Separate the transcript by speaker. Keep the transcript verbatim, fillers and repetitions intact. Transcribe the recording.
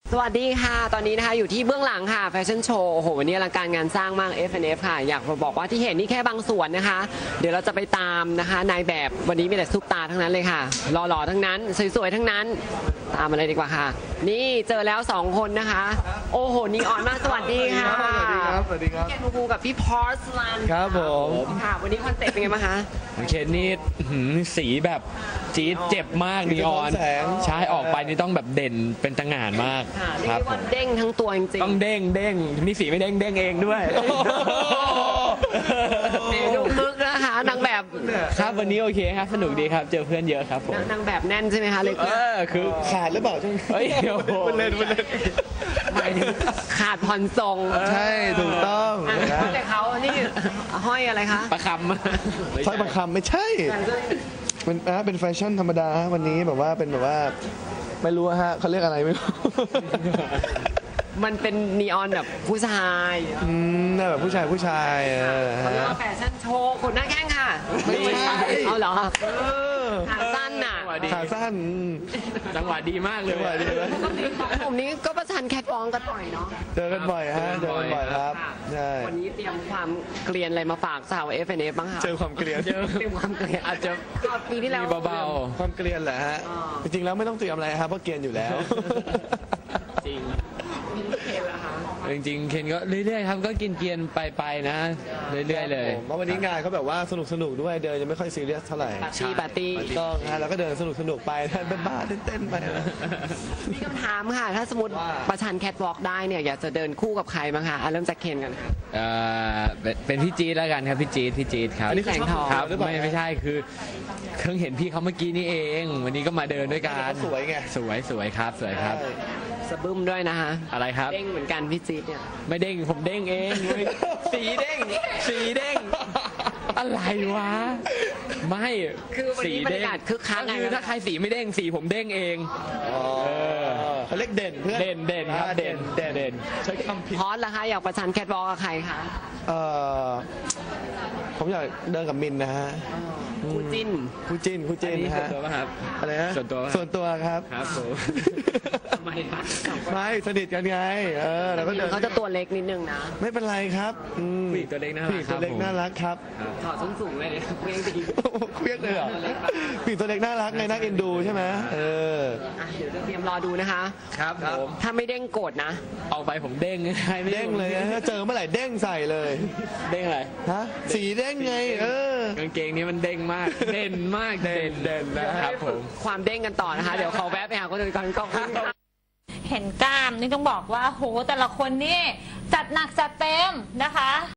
Speaker 1: สวัสดีค่ะตอนนี้นะคะอยู่ที่เบื้องหลังค่ะแฟชั่นโชว์โอ้โหวันนี้อลังการงานสร้างมาก เอฟ แอนด์ เอฟ ค่ะอยากบอกว่าที่เห็นนี่แค่บางส่วนนะคะเดี๋ยวเราจะไปตามนะคะนายแบบวันนี้มีแต่ซุปตาทั้งนั้นเลยค่ะหล่อๆทั้งนั้นสวยๆทั้งนั้นตามมาเลยดีกว่าค่ะนี่เจอแล้วสองคนนะคะโอ้โหนีออนมากสวัสดีค่ะ
Speaker 2: สวัสดีครับสวัสดีครับ
Speaker 1: พี่เคนภูมิกับพี่พอร์สลัน
Speaker 2: ครับผม
Speaker 1: ค่ะวันนี้คอนเซ็ปต์เป็นไงบ้างคะ
Speaker 3: เคนนี่หืมสีแบบจี๊ดเจ็บมากนีออน
Speaker 2: แสง
Speaker 3: ใช่ออกไปนี่ต้องแบบเด่นเป็นตะหง่านมาก
Speaker 1: ค่ะเรีย
Speaker 3: ค
Speaker 1: ก
Speaker 3: รับ
Speaker 1: ได้ว่าเด้งทั้งตัวจริง
Speaker 3: ต้องเด้งเด้งนี่สีไม่เด้งเด้งเองด้วย
Speaker 1: ๆเมนูมึกนะคะนางแบบ
Speaker 3: ครับวันนี้โอเคครับสนุกดีครับเจอเพื่อนเยอะครับผม
Speaker 1: นางแบบแน่นใช่ไหมคะเลย
Speaker 3: เออคือ
Speaker 2: ขาดหรือเปล่าช่วงนี้
Speaker 3: เฮ้ยโอ้โห
Speaker 2: มันเล่นมันเล่น
Speaker 1: หมายถึงขาดผ่อนทรง
Speaker 2: ใช่ถูกต้อง
Speaker 1: อ่ะ
Speaker 2: นะ
Speaker 1: แต่เขานี่ห้อยอะไรคะ
Speaker 3: ประคำ
Speaker 2: สร้อยประคำไม่ใช่เป็นนะเป็นแฟชั่นธรรมดาฮะวันนี้แบบว่าเป็นแบบว่าไม่รู้ฮะเขาเรียกอะไรไม่รู้
Speaker 1: มันเป็นนีออนแบบผู้ชาย
Speaker 2: อืมน่าแบบผู้ชายผู้ชายเออ
Speaker 1: เขาเรียก
Speaker 2: ฮะ
Speaker 1: ว่าแฟชั่นโชว์ขนหน้าแข้งค่ะ
Speaker 2: ไม่ใช่
Speaker 1: เอาเหรอ
Speaker 2: เออ
Speaker 1: ขาสั้นน่ะ
Speaker 2: ขาสั้นอืม
Speaker 3: จังหวะดีมากเลย
Speaker 2: จังหวะดีไหม
Speaker 1: ของผมนี้ก็ประชันแคทวอล์กกันบ่อยเนาะ
Speaker 2: เจอกันบ่อยฮะเจอกันบ่อยครับ
Speaker 1: ค่ะ
Speaker 2: ใช่
Speaker 1: วันนี้เตรียมความเกลียนอะไรมาฝากสาว เอฟ แอนด์ เอฟ บ้างคะ
Speaker 2: เจอความเกลียน
Speaker 1: เตรียมความเกลียน
Speaker 3: อาจจะ
Speaker 1: ปีที่แล้ว
Speaker 3: มีเบา
Speaker 2: ความเกลียนแหละฮะ
Speaker 1: อ๋อ
Speaker 2: จริงๆแล้วไม่ต้องเตรียมอะไรครับเพราะเกลียนอยู่แล้ว
Speaker 3: ๆจริง
Speaker 1: มีเคนเหรอคะ
Speaker 3: จริงๆเคนก็เรื่อยๆครับก็กินเกียนๆไปๆนะ เรื่อยๆเลย
Speaker 2: เพราะวันนี้งานเขาแบบว่าสนุกสนุกๆด้วยเดินยังไม่ค่อยซีเรียสเท่าไหร่
Speaker 1: ปาร์ตี้ปาร์ตี้
Speaker 2: ถูกต้องฮะแล้วก็เดินสนุกสนุกๆไปเป็นบ้าๆเต้นๆไปนะ
Speaker 1: มีคำถามค่ะ ถ้าสมมติ
Speaker 2: ว่า
Speaker 1: ประชันแคทวอล์กได้เนี่ยอยากจะเดินคู่กับใครบ้างคะอ่ะเริ่มจากเคนกันค่ะ
Speaker 3: เอ่อเป็นเป็นพี่จี๊ดแล้วกันครับพี่จี๊ดพี่จี๊ดครับ
Speaker 1: อันนี้คือชอบ
Speaker 3: ครับ
Speaker 2: หรือเปล่า
Speaker 3: ไม่ไม่ใช่คือเพิ่งเห็นพี่เขาเมื่อกี้นี่เอง วันนี้ก็มาเดินด้วยกัน
Speaker 2: สวยไง
Speaker 3: สวยสวยครับสวยครับ
Speaker 1: สะบึ้มด้วยนะคะ
Speaker 3: อะไรครับ
Speaker 1: เด้งเหมือนกันพี่จี๊ดเนี่ย
Speaker 3: ไม่เด้งผมเด้งเองเว้ยสีเด้งสีเด้งอะไรวะไม่
Speaker 1: คือวันนี้บรรยากาศคึกคักไง
Speaker 3: คือถ้าใครสีไม่เด้งสีผมเด้งเอง
Speaker 2: อ๋อเขาเรียกเด่นเพื่อน
Speaker 3: เด่นเด่นครับ
Speaker 2: อ่า
Speaker 3: เด่น
Speaker 2: เด่น
Speaker 3: เด่น
Speaker 2: ใช้คำผิด
Speaker 1: พอสล่ะคะอยากประชันแคทวอล์กกับใครคะ
Speaker 2: เอ่อผมอยากเดินกับมินนะฮะ
Speaker 1: คู่จิ้น
Speaker 2: คู่จิ้นคู่จิ้น
Speaker 3: อันนี้
Speaker 2: นะ
Speaker 3: ส่วน
Speaker 2: ฮะ
Speaker 3: ตัวป่ะครับ
Speaker 2: อะไรฮะ
Speaker 3: ส่วนตัวปะ
Speaker 2: ส่วนตัวครับ
Speaker 3: ครับผม
Speaker 1: ทำไมคะ
Speaker 2: ไม่สนิทกันไงเออแล้วก็เดิน
Speaker 1: เขาจะตัวเล็กนิดนึงนะ
Speaker 2: ไม่เป็นไรครับอืม
Speaker 3: ผู้หญิงตัวเล็กน่ารัก
Speaker 2: ผู้หญิงตัวเล็ก
Speaker 3: ครับผม
Speaker 2: น่ารักครับ
Speaker 1: ถอดส้นสูงเลยเพียงตี
Speaker 2: โอ้โหเครียดเลยเหรอผู้หญิงตัวเล็กน่ารักไงน่าเอ็นดูใช่ไหมเออ
Speaker 1: อ่ะเดี๋ยวจะเตรียมรอดูนะคะ
Speaker 3: ครับผม
Speaker 1: ถ้าไม่เด้งโกรธนะ
Speaker 3: ออกไปผมเด้งใครไม่
Speaker 2: เด้งเลยนะถ้าเจอเมื่อไหร่เด้งใส่เลย
Speaker 3: เด้งอะไร
Speaker 2: ฮะสีเด้งไง เออ
Speaker 3: กางเกงนี้มันเด้งมาก เด่นมาก เด่นเด่นนะครับผม
Speaker 1: ความเด้งกันต่อนะคะ เดี๋ยวขอแวะไปหาคนอื่นก่อนก็คุณค่ะ
Speaker 4: เห็นกล้ามนี่ต้องบอกว่าโหแต่ละคนนี่จัดหนักจัดเต็มนะคะ